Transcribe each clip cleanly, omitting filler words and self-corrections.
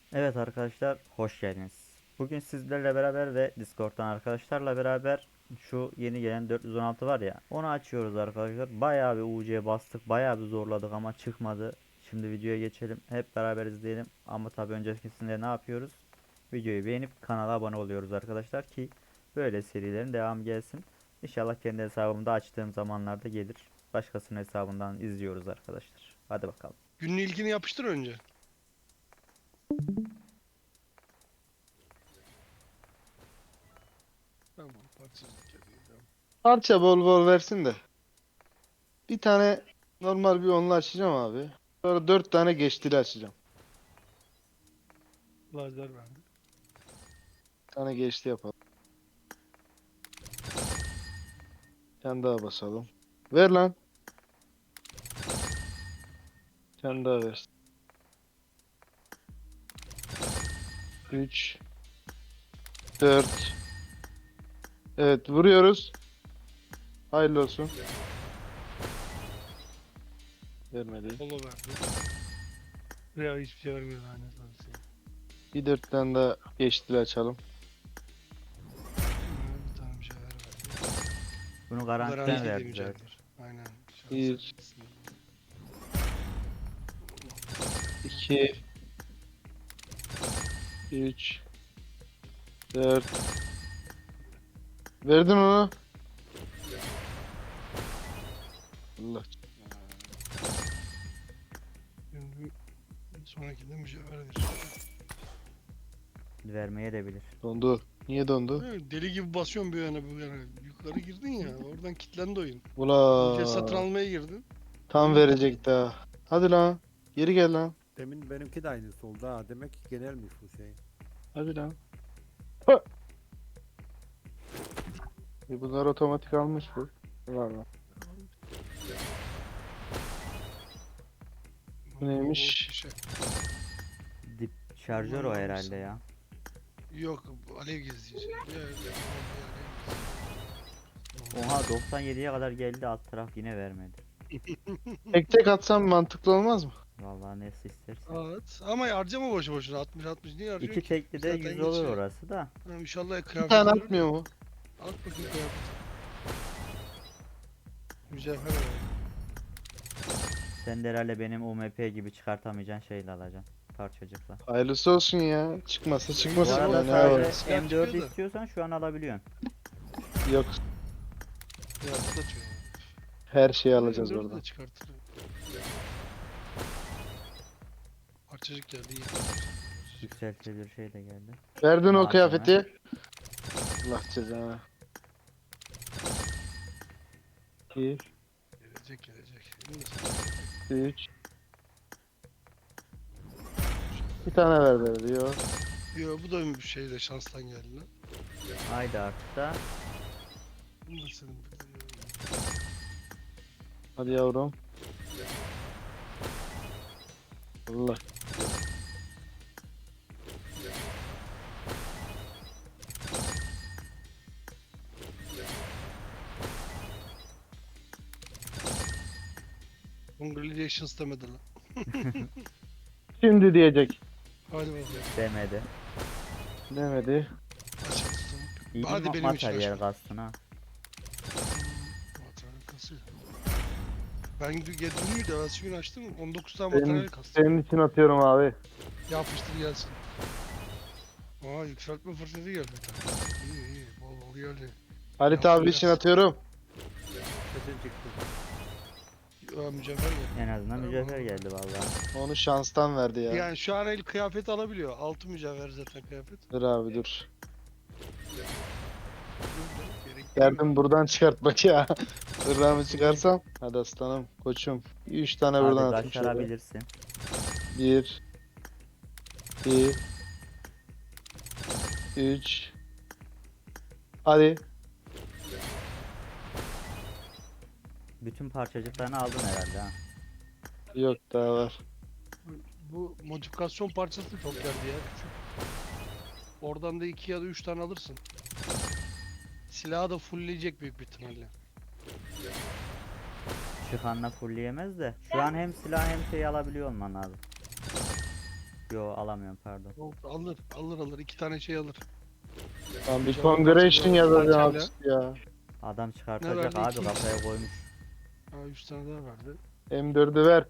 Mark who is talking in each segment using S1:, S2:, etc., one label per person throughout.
S1: Evet arkadaşlar, hoş geldiniz. Bugün sizlerle beraber ve Discord'dan arkadaşlarla beraber şu yeni gelen 416 var ya, onu açıyoruz arkadaşlar. Bayağı bir UC'ye bastık, bayağı bir zorladık ama çıkmadı. Şimdi videoya geçelim, hep beraber izleyelim. Ama tabii öncesinde ne yapıyoruz? Videoyu beğenip kanala abone oluyoruz arkadaşlar ki böyle serilerin devamı gelsin. İnşallah kendi hesabımda açtığım zamanlarda gelir. Başkasının hesabından izliyoruz arkadaşlar. Hadi bakalım.
S2: Günün ilkini yapıştır önce. Tamam, parçacık geliyor. Tamam.
S3: Parça bol bol versin de. Bir tane normal bir onlu açacağım abi. Sonra 4 tane geçtili açacağım.
S2: Lazer verdi.
S3: Bir tane geçti yapalım. Bir tane daha basalım. Ver lan. Bir tane daha ver. 3, 4. Evet, vuruyoruz. Hayırlı olsun. Vermedi.
S2: Polo verdi. Veya hiçbir şey vermiyor lanet olsun.
S3: Bir 4 tane daha geçtili açalım.
S2: Bir tane mücevher verdi.
S1: Bunu
S2: Bu
S1: garantiden
S2: garanti de
S1: verdi zaten.
S2: mücevher. Aynen. Şansa
S3: 1,
S2: gitsin.
S3: 2, 3, 4. Verdin onu. Allah.
S2: Şimdi bir sonrakinde mücevher verir.
S1: Vermeye de bilir.
S3: Dondu. Niye dondu?
S2: Evet, deli gibi basıyorsun bir yana bu yana. Yukarı girdin ya. Oradan kilitlendi oyun. UC satın
S3: Ula.
S2: almaya girdin.
S3: Tam
S2: Oyun
S3: verecek
S2: kilitlendi.
S3: daha. Hadi lan. Geri gel lan.
S4: Demin benimki de aynısı oldu ha. Demek ki genelmiş bu şey.
S3: Hadi lan. Hı. Bunlar otomatik almış bu. Var mı? Bu
S2: O
S3: neymiş?
S2: şişe.
S1: Dip şarjör o
S2: Aman
S1: herhalde
S2: Allah'ım.
S1: ya.
S2: Yok, alev gezici.
S1: Oha 97'ye kadar geldi, alt taraf yine vermedi.
S3: Tek tek atsam mantıklı olmaz mı?
S1: Vallahi nesi istersen.
S2: Evet. Ama harcama boşu boşuna. 60 niye harcıyorsun
S1: İki
S2: ki?
S1: tekli de
S2: Zaten
S1: 100 olur
S2: geçiyor.
S1: orası da.
S2: Ha, İnşallah
S3: Bir tane
S2: kıyafet verir de.
S3: atmıyor mu?
S2: At bakayım kıyafet. Mücevher ver.
S1: Sen de herhalde benim UMP gibi çıkartamayacağın şeyle alacaksın. Parçacıkla.
S3: Hayırlısı olsun ya. Çıkmasa
S1: Bu
S3: çıkmasın.
S2: Silah
S1: arada
S3: Ben ne
S2: silah
S3: yapayım?
S1: sadece
S2: silah
S1: M4'ü
S2: çıkıyor da.
S1: istiyorsan şu an alabiliyorsun.
S3: Yok.
S2: Kıyafet atıyor.
S3: Her şeyi
S2: Yani.
S3: alacağız
S2: M4'ü de
S3: oradan.
S2: çıkartır. Parçacık geldi. İyi.
S1: Yükseltilir şey de geldi.
S3: Verdin o
S1: Malzeme.
S3: kıyafeti. Allah cezanı. 2,
S2: Gelecek gelecek.
S3: 3. Bir tane ver diyor.
S2: Yo, bu da bir şeyle şanstan geldi lan.
S1: Haydi artık da.
S2: Bu da senin
S3: Hadi yavrum. Allah.
S2: Congratulations demedi lan.
S3: Şimdi diyecek.
S2: Hadi bakalım.
S1: Demedi.
S3: Demedi.
S2: Açık tutalım.
S1: İyi
S2: Hadi
S1: bir
S2: benim için
S1: materyal
S2: açma.
S1: kastın ha.
S2: Materyal kasıyor. Ben dün müydü? Evvelsi gün açtım. 19 tane
S3: Senin,
S2: materyal kastım.
S3: senin için atıyorum abi.
S2: Yapıştır gelsin. Aa, yükseltme fırsatı geldi bir tane. İyi iyi. Bol bol geldi.
S3: Halit
S2: Yaptım
S3: abi için
S2: gelsin.
S3: atıyorum.
S4: Sesin çıktı.
S2: Aa, mücevher geldi.
S1: En azından
S2: Tamam.
S1: mücevher geldi vallahi.
S3: Onu şanstan verdi ya.
S2: Yani şu an el kıyafet alabiliyor. Altı mücevher zaten kıyafet.
S3: Dur abi dur.
S2: Gerek
S3: Derdim buradan çıkartmak ya. Hırramı çıkarsam. Hadi aslanım, koçum. 3 tane
S1: Hadi
S3: buradan atayım şöyle.
S1: başarabilirsin.
S3: 1, 2, 3. Hadi.
S1: Bütün parçacıklarını aldın herhalde ha.
S3: Yok daha var.
S2: Bu modifikasyon parçası çok geldi ya, küçük. Oradan da 2 ya da 3 tane alırsın. Silahı da fullleyecek büyük bir ihtimalle.
S1: Çıkanla fullleyemez de. Şu an hem silah hem şey alabiliyor olman lazım. Yo alamıyorum pardon.
S2: Yok, alır. 2 tane şey alır.
S3: Lan bir
S2: Mücevher
S3: congratulation
S2: parçası
S3: yazacağım
S2: parçayla.
S3: işte ya.
S1: Adam
S2: Ne
S1: çıkartacak
S2: verdi?
S1: abi
S2: 2x.
S1: kafaya koymuş.
S2: Ha 3 tane daha verdi.
S3: M4'ü ver.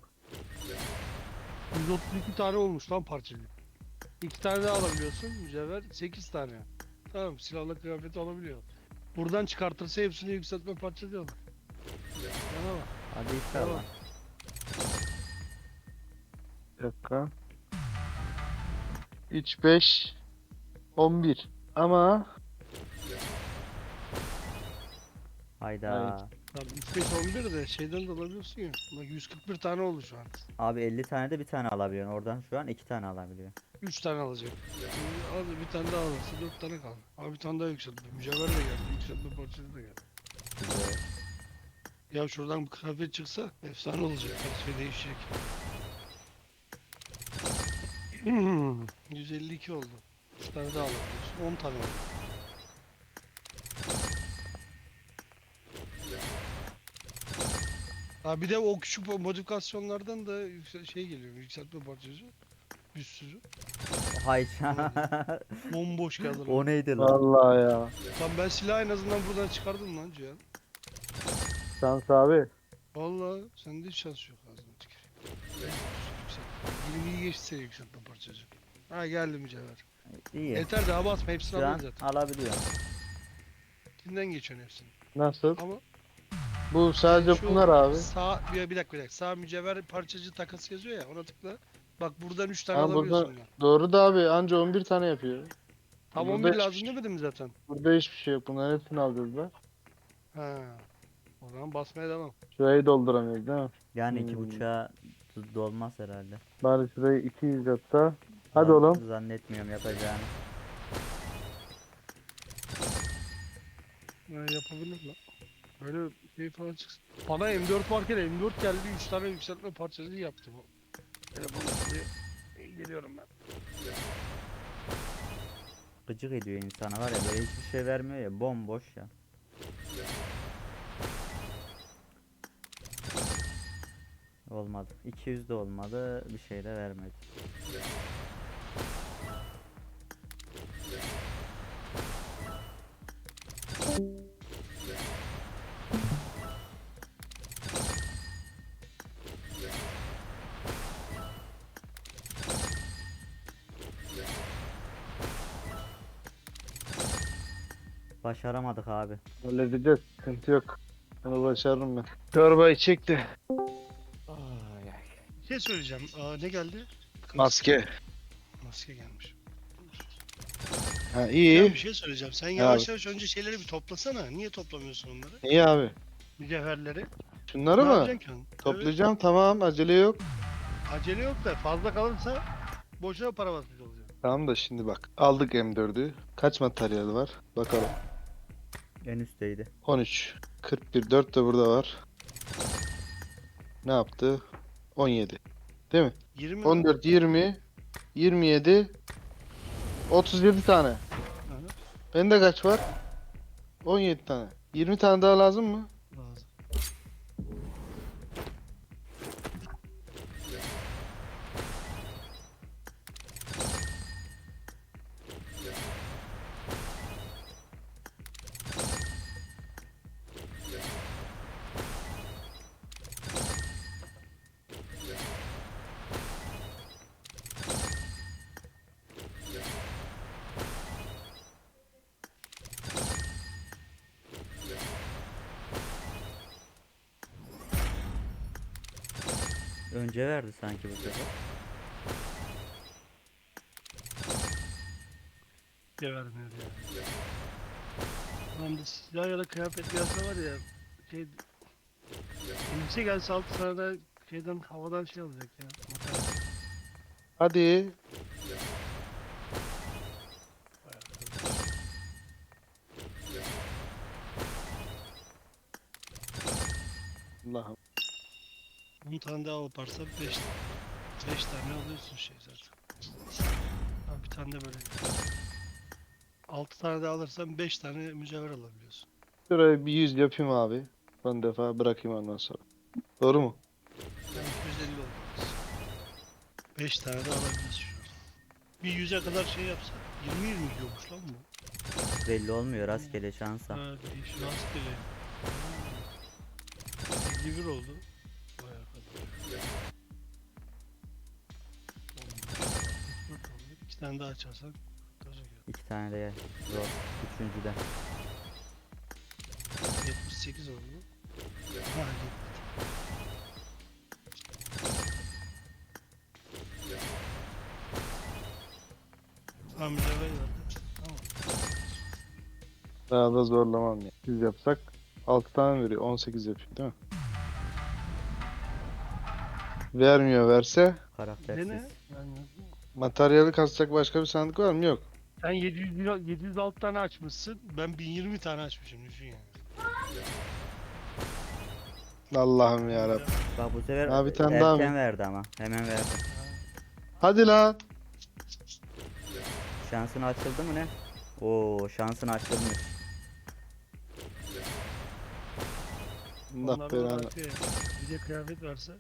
S2: 132 tane olmuş lan parçacık. 2 tane daha alabiliyorsun mücevher. 8 tane. Tamam, silahla kıyafeti alabiliyor. Buradan çıkartırsa hepsini yükseltme parçası alır. Yana bak.
S1: Hadi inşallah.
S3: Bir dakika. 3, 5, 11. Ama
S1: Hayda.
S3: Evet.
S2: Tabii 3 5 11 de şeyden de alabiliyorsun ya. Bak 141 tane oldu şu an.
S1: Abi 50 tane de bir tane alabiliyorsun. Oradan şu an 2 tane alabiliyor.
S2: 3 tane alacak. Şimdi al bir tane daha alırsa 4 tane kaldı. Abi bir tane daha yükseltme. Mücevher de geldi. Yükseltme parçası da geldi.
S1: Güzel.
S2: Ya şuradan bir kıyafet çıksa efsane olacak. Her şey değişecek. 152 oldu. 3 tane daha alabiliyorsun. 10 tane oldu. Ha bir de o küçük modifikasyonlardan da şey geliyor. Yükseltme parçası. Bir sürü.
S1: Hay
S2: Bomboş geldi lan.
S1: O neydi lan?
S3: vallahi ya.
S2: Lan ben silahı en azından buradan çıkardım lan Cihan.
S3: Şans abi.
S2: Vallahi sende hiç şans yok ağzına tüküreyim. 20'yi geçti yükseltme parçacı. Ha geldi mücevher.
S1: İyi.
S2: Yeter daha basma hepsini
S1: Şu an
S2: alın zaten.
S1: alabiliyor.
S2: Kimden geçiyorsun hepsini.
S3: Nasıl?
S2: Ama
S3: Bu sadece
S2: şu
S3: bunlar abi.
S2: sağ bir dakika. Sağ mücevher parçacı takası yazıyor ya ona tıkla. Bak buradan 3 tane
S3: Ha,
S2: alabiliyorsun
S3: burada
S2: ya.
S3: doğru da abi anca 11 tane yapıyor.
S2: Tam
S3: Burada
S2: 11
S3: hiçbir
S2: lazım
S3: şey-
S2: demedim mi zaten?
S3: Burada hiçbir şey yok. Bunların hepsini alacağız da.
S2: Ha. O zaman basmaya devam.
S3: Şurayı dolduramıyoruz değil mi?
S1: Yani iki
S3: Hmm.
S1: buçuğa dolmaz herhalde.
S3: Bari şurayı 200 yapsa. Hadi oğlum.
S1: Zannetmiyorum yapacağını.
S2: Yapabilir lan. Böyle şey falan çıksın. Bana M4 varken M4 geldi 3 tane yükseltme parçası yaptı bu. Telefonu diye geliyorum ben.
S1: Gıcık ediyor insana var ya böyle hiçbir şey vermiyor ya bomboş ya. Olmadı. 200 de olmadı. Bir şey de vermedi. Başaramadık abi.
S3: Halledeceğiz. Sıkıntı yok. Bunu başarırım ben. Çorbayı çekti.
S2: Bir şey söyleyeceğim. Ne geldi?
S3: Maske.
S2: Maske gelmiş.
S3: Ha
S2: Ya
S3: iyi.
S2: bir şey söyleyeceğim. Sen
S3: abi.
S2: yavaş yavaş önce şeyleri bir toplasana. Niye toplamıyorsun onları?
S3: İyi abi.
S2: Mücevherleri.
S3: Şunları
S2: Ne
S3: mı?
S2: yapacaksın ki onu?
S3: Toplayacağım tamam acele yok.
S2: Evet, acele yok da fazla kalırsa boşuna para basmış olacaksın.
S3: Tamam da şimdi bak. Aldık M4'ü. Kaç materyal var? Bakalım.
S1: En üstteydi.
S3: 13. 41. 4 de burada var. Ne yaptı? 17. Değil mi?
S2: 20
S3: 14, 20, 27, 37 tane.
S2: Hı.
S3: Bende kaç var? 17 tane. 20 tane daha lazım mı?
S2: lazım.
S1: Önce verdi sanki bu sefer.
S2: Bir vermiyor ya. Lan da silah ya da kıyafet gelse var ya şey elbise gelse 6 tane de şeyden havadan şey alacak ya. Materyal.
S3: Hadi. Allah'ım.
S2: 10 tane daha yaparsan 5 tane alıyorsun şey zaten. Ha, bir tane de böyle. 6 tane daha alırsan 5 tane mücevher alabiliyorsun.
S3: Şuraya bir 100 yapayım abi. Son defa bırakayım ondan sonra. Doğru mu?
S2: Yani 250 olmalısın. 5 tane de alabiliyorsun şu an. Bir 100'e kadar şey yapsa. 20 gidiyormuş lan bu.
S1: Belli olmuyor rastgele şansa.
S2: Ha, değişik rastgele. 51 oldu. Vay arkadaş. 64 oldu. 2 tane daha açarsan kurtaracak ya.
S1: 2 tane de zor. Üçüncü de.
S2: 78 oldu. Ha, tamam mücevher verdi. Tamam.
S3: Daha da zorlamam ya. Biz yapsak 6 tane veriyor. 18 yapıyor değil mi? Vermiyor, verse
S1: Karaktersiz.
S2: Dene. Yani
S3: materyali kasacak başka bir sandık var mı? Yok.
S2: sen 706 tane açmışsın. Ben 1020 tane açmışım düşün yani.
S3: Allah'ım ya Rabbim.
S1: Bak bu sefer
S3: Ha, bir tane daha
S1: erken
S3: mı?
S1: verdi ama. Hemen verdi.
S3: Hadi lan.
S1: Şansın açıldı mı ne? Oo şansın açılmış.
S3: Allah
S2: Onlar
S3: belanı.
S2: olarak bir de kıyafet verse.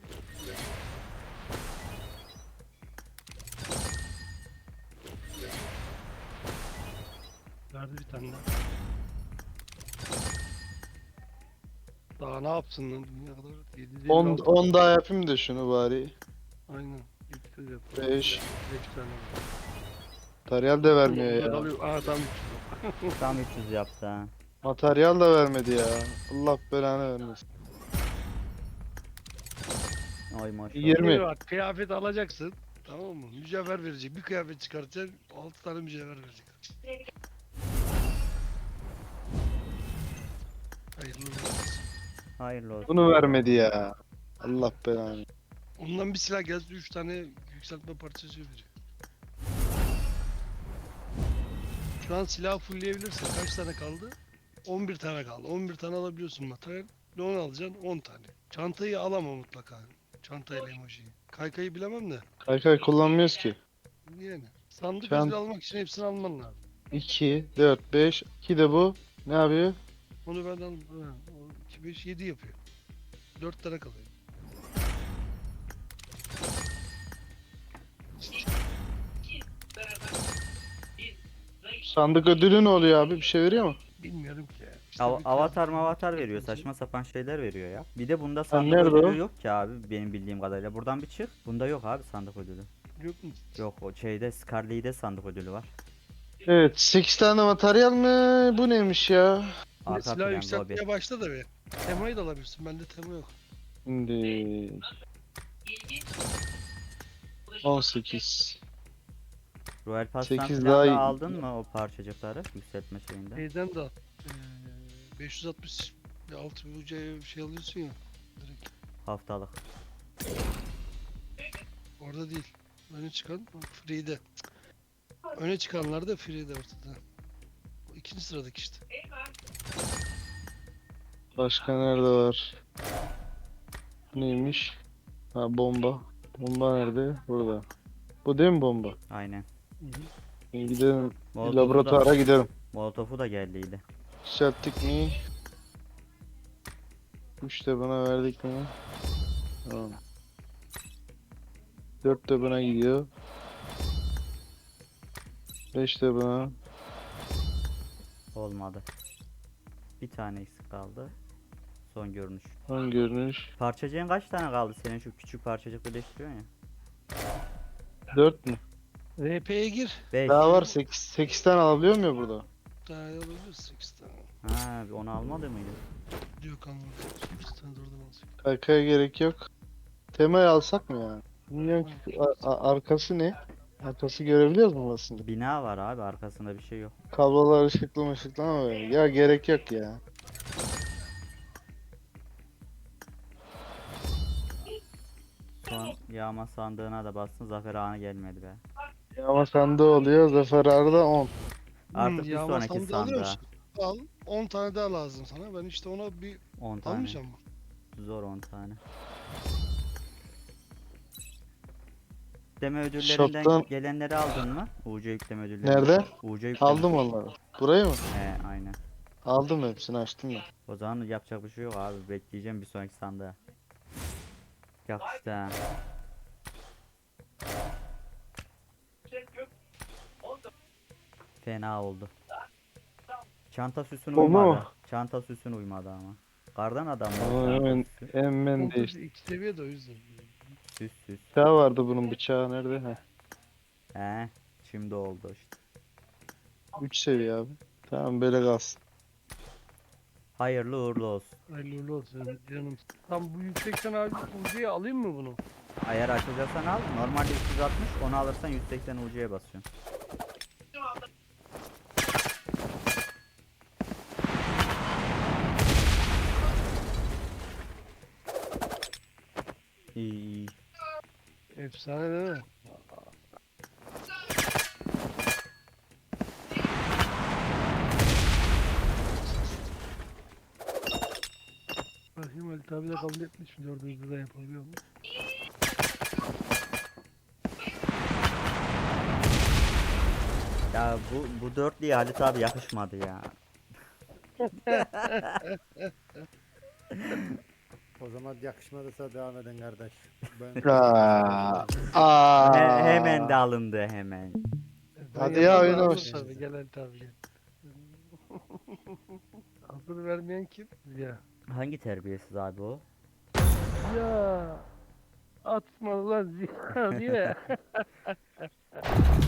S2: Verdi bir tane daha. Daha ne yapsın lan dünya kadar?
S3: 10 daha yapayım da şunu bari.
S2: Aynen. 300 yap.
S3: 5.
S2: 5 tane.
S3: Materyal de vermiyor
S2: Orada
S3: ya.
S2: kalıyor. Aa tam 300.
S1: Tam 300 yaptı ha.
S3: Materyal da vermedi ya. Allah belanı vermesin.
S1: Oy maşallah.
S3: 20.
S2: Bak kıyafet alacaksın. Tamam mı? Mücevher verecek. Bir kıyafet çıkartacaksın. 6 tane mücevher verecek. Hayırlı olsun.
S1: Hayırlı olsun.
S3: Bunu vermedi ya. Allah belanı.
S2: Ondan bir silah gelse 3 tane yükseltme parçası verecek. Şu an silah fullleyebilirsin. Kaç tane kaldı? 11 tane kaldı. 11 tane alabiliyorsun materyal. Ne onu alacaksın? 10 tane. Çantayı alama mutlaka. Çantayla emojiyi. Kaykayı bilemem de.
S3: Kaykay kullanmıyoruz ki.
S2: Yani. Sandık
S3: Çant-
S2: ödül almak için hepsini alman lazım.
S3: 2, 4, 5. 2 de bu. Ne yapıyor?
S2: Onu ben al. 2, 5, 7 yapıyor. 4 tane kalıyor.
S3: Sandık ödülü ne oluyor abi? Bir şey veriyor mu?
S2: Bilmiyorum ki ya. İşte bir
S1: Avatar
S2: kıyafet-
S1: mavatar veriyor.
S2: verecek.
S1: Saçma sapan şeyler veriyor ya. Bir de bunda sandık
S3: nerede
S1: ödülü
S3: o?
S1: yok ki abi benim bildiğim kadarıyla. Buradan bir çık. Bunda yok abi sandık ödülü.
S2: Yok mu?
S1: Yok o şeyde Scarlet'de sandık ödülü var.
S3: Evet. 8 tane materyal mi? Bu neymiş ya?
S1: Arka
S2: Silah
S1: plan lobi.
S2: yükseltmeye başla da be. Temayı da alabilirsin. Bende tema yok.
S3: Şimdi 18.
S1: Royal Pass'tan
S3: 8
S1: falan
S3: daha
S1: da
S3: iyi.
S1: aldın mı o parçacıkları yükseltme şeyinde?
S2: Şeyden de al. 560 bir altı bir uca şey alıyorsun ya. Direkt.
S1: Haftalık.
S2: Orada değil. Öne çıkan free'de. Öne çıkanlar da free'de ortada. O ikinci sıradaki işte.
S3: Başka nerede var? Neymiş? Ha, bomba. Bomba nerede? Burada. Bu değil mi bomba?
S1: Aynen.
S3: Şimdi gidelim.
S1: Molotof'u
S3: Laboratuvara
S1: da,
S3: gidelim.
S1: Molotof'u da geldiydi.
S3: Yükselttik mi? 3 de buna verdik mi? Tamam. 4 de buna gidiyor. 5 de buna.
S1: Olmadı. Bir tane eksik kaldı. Son görünüş.
S3: Son görünüş.
S1: Parçacığın kaç tane kaldı senin şu küçük parçacık birleştiriyorsun ya?
S3: 4 mü?
S2: RP'ye gir.
S1: 5.
S3: Daha var 8 tane alabiliyor mu ya burada?
S2: Daha alabiliriz 8 tane.
S1: Ha onu almadı mıydı?
S2: Diyor kalmadı. 8 tane de oradan alacak.
S3: Kaykaya gerek yok. Temayı alsak mı yani? Bilmiyorum ki arkası ne? Arkası görebiliyoruz mu aslında?
S1: Bina var abi arkasında bir şey yok.
S3: Kablolar ışıklı ama böyle. Ya gerek yok ya.
S1: Son yağma sandığına da bastın zafer anı gelmedi be.
S3: Yağma sandığı oluyor. Zafer Arda 10.
S1: Artık bir
S2: yağma
S1: sonraki
S2: sandığı alıyor
S1: sandığa.
S2: musun? Al. 10 tane daha lazım sana. Ben işte ona bir
S1: 10 tane.
S2: almayacağım mı?
S1: Zor 10 tane. Yükleme ödüllerinden
S3: Shop'tan-
S1: gelenleri aldın mı? UC yükleme ödülleri.
S3: Nerede?
S1: UC yükleme.
S3: Aldım onları. Burayı mı?
S1: He aynen.
S3: Aldım hepsini açtım ben.
S1: O zaman yapacak bir şey yok abi. Bekleyeceğim bir sonraki sandığa. Yakıştı ha. Fena oldu. Çanta süsün
S3: Oldu mu?
S1: uymadı. Çanta süsün uymadı ama. Kardan adam var.
S3: Ama
S1: çanta
S3: hemen
S1: süsü.
S3: hemen
S2: Kontrol
S3: değişti.
S2: 2 seviye de o yüzden.
S1: Süs süs.
S3: Bıçağı vardı bunun, bıçağı nerede? Heh.
S1: Şimdi oldu işte.
S3: 3 seviye abi. Tamam, böyle kalsın.
S1: Hayırlı uğurlu olsun.
S2: Hayırlı uğurlu olsun canım. Tam bu yüksekten abi Uzi'ye alayım mı bunu?
S1: Ayar açacaksan al. Normalde 360, onu alırsan 180 UC'ye basıyorsun. İyi iyi.
S2: Efsane değil mi? Bakayım Halit abi de kabul etmiş mi? Dördüncü de yapabiliyor mu?
S1: Ya bu dörtlüye Halit abi yakışmadı ya.
S4: O zaman yakışmadıysa devam edin kardeş. Ben
S1: Hemen de
S3: Aa.
S1: alındı hemen.
S2: Ben
S3: Hadi ya,
S2: yapayım,
S3: oyna
S2: hazır
S3: başla.
S2: tabii. Gel Halit abi gel. Hazır vermeyen kim? Ya.
S1: Hangi terbiyesiz abi o?
S2: Ya. Atma lan Ziya diye.